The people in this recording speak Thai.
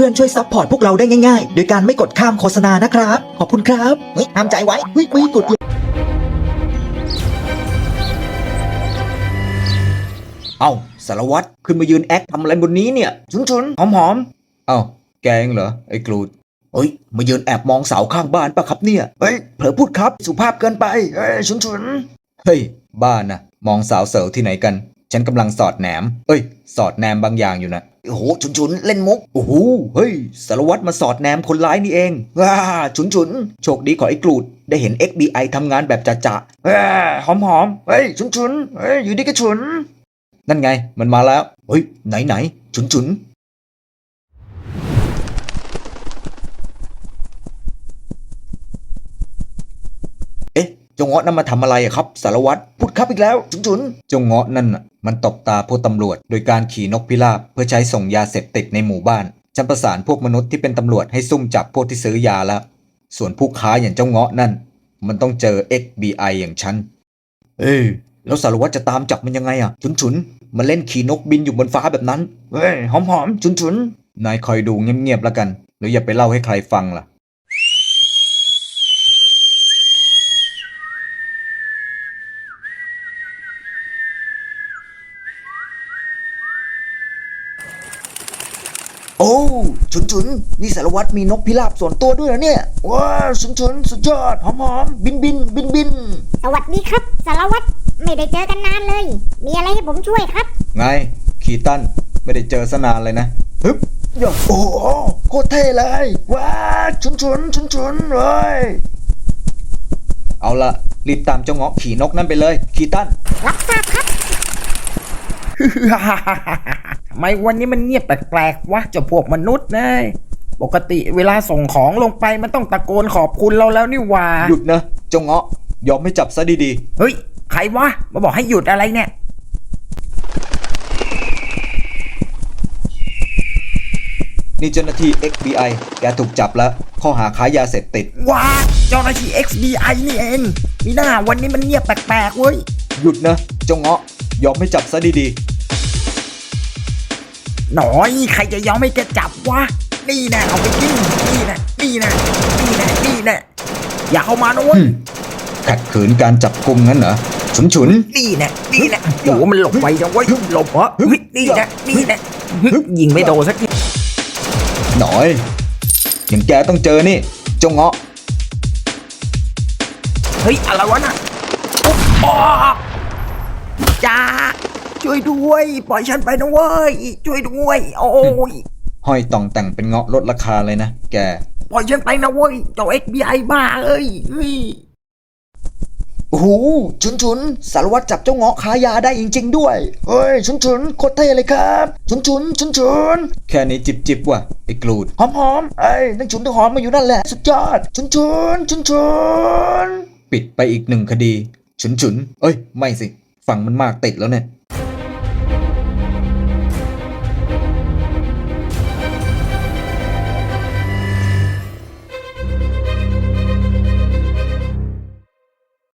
พื่อนๆช่วยซัพพอร์ตพวกเราได้ง่ายๆโดยการไม่กดข้ามโฆษณานะครับขอบคุณครับเฮ้ยห้ามใจไว้เฮ้ยไม่กดเอ้าสารวัตรขึ้นมายืนแอคทำอะไรบนนี้เนี่ยชุนหอมเอ้าแกเองเหรอไอ้กรูดเฮ้ยมายืนแอบมองสาวข้างบ้านปะครับเนี่ยเฮ้ยเผลอพูดครับสุภาพเกินไปเฮ้ยชุนเฮ้ยบ้านนะมองสาวเสิร์ฟที่ไหนกันฉันกำลังสอดแหนมสอดแนมบางอย่างอยู่นะโอ้โหชุนเล่นมุกโอ้โหเฮ้ยสารวัตรมาสอดแนมคนร้ายนี่เองว้าชุนโชคดีของไอ้กรูดได้เห็น FBI ทำงานแบบจะหอมเฮ้ยชุนเฮ้ยอยู่ดีก็ชุนนั่นไงมันมาแล้วเฮ้ยไหนชุนเอ๊ะเจ้าเงาะนั่นมาทำอะไรอะครับสารวัตรพูดครับอีกแล้วชุนเจ้าเงาะนั่นน่ะมันตบตาพวกตำรวจโดยการขี่นกพิราบเพื่อใช้ส่งยาเสพติดในหมู่บ้านฉันประสานพวกมนุษย์ที่เป็นตำรวจให้ซุ่มจับพวกที่ซื้อยาแล้วส่วนผู้ค้าอย่างเจ้าเงาะนั่นมันต้องเจอ FBI อย่างฉันแล้วสารวัตรจะตามจับมันยังไงอะชุนมันเล่นขี่นกบินอยู่บนฟ้าแบบนั้นเฮ้ยหอมชุนนายคอยดูเงียบๆแล้วกันแล้วอย่าไปเล่าให้ใครฟังล่ะโอ้ชุนนี่สารวัตรมีนกพิราบส่วนตัวด้วยเหรอเนี่ยว้าวชุนสุดยอดหอมบินสวัสดีครับสารวัตรไม่ได้เจอกันนานเลยมีอะไรให้ผมช่วยครับไงคีตันไม่ได้เจอสนานเลยนะฮึบโอ้โหโคตรเท่เลยว้าชุนเลยเอาละรีบตามเจ้าเงาะขี่นกนั่นไปเลยคีตันรับทราบครับทำไมวันนี้มันเงียบแปลกๆวะเจ้าพวกมนุษย์นะปกติเวลาส่งของลงไปมันต้องตะโกนขอบคุณเราแล้วนี่หว่าหยุดนะเจ้าเงาะยอมให้จับซะดีเฮ้ยใครวะมาบอกให้หยุดอะไรเนี่ยนี่เจ้าหน้าที่ FBI แกถูกจับแล้วข้อหาค้ายาเสพติดว้าเจ้าหน้าที่ XBI นี่เองมีหน้าวันนี้มันเงียบแปลกๆเว้ยหยุดนะเจ้าเงาะยอมให้จับซะดีหน่อยใครจะยอมให้แกจับวะนี่นะเอาไปกินนี่นะอย่าเข้ามานะเว้ยขัดขืนการจับกุมงั้นเหรอฉุนนี่นะโอ้มันหลบไปจังเว้ยหลบเหรอนี่นะยิงไม่โดนสักทีหน่อยอย่างแกต้องเจอนี่เจ้าเงาะเฮ้ยอะไรวะน่ะจ้าช่วยด้วยปล่อยฉันไปนะเว้ยช่วยด้วยโอ้ยห้อยต่องแต่งเป็นเงาะลดราคาเลยนะแกปล่อยฉันไปนะเว้ยเจ้า FBI บ้าเอ้ยโอ้โหฉุนสารวัตรจับเจ้าเงาะค้ายาได้จริงๆด้วยเฮ้ยฉุนโคตรเท่เลยครับฉุนแค่นี้จิบว่ะไอ้กรูดหอมนั่งฉุนตัวหอมมาอยู่นั่นแหละสุดยอดฉุนปิดไปอีก1 คดีฉุนไม่สิฝั่งมันมากติดแล้วเนี่ย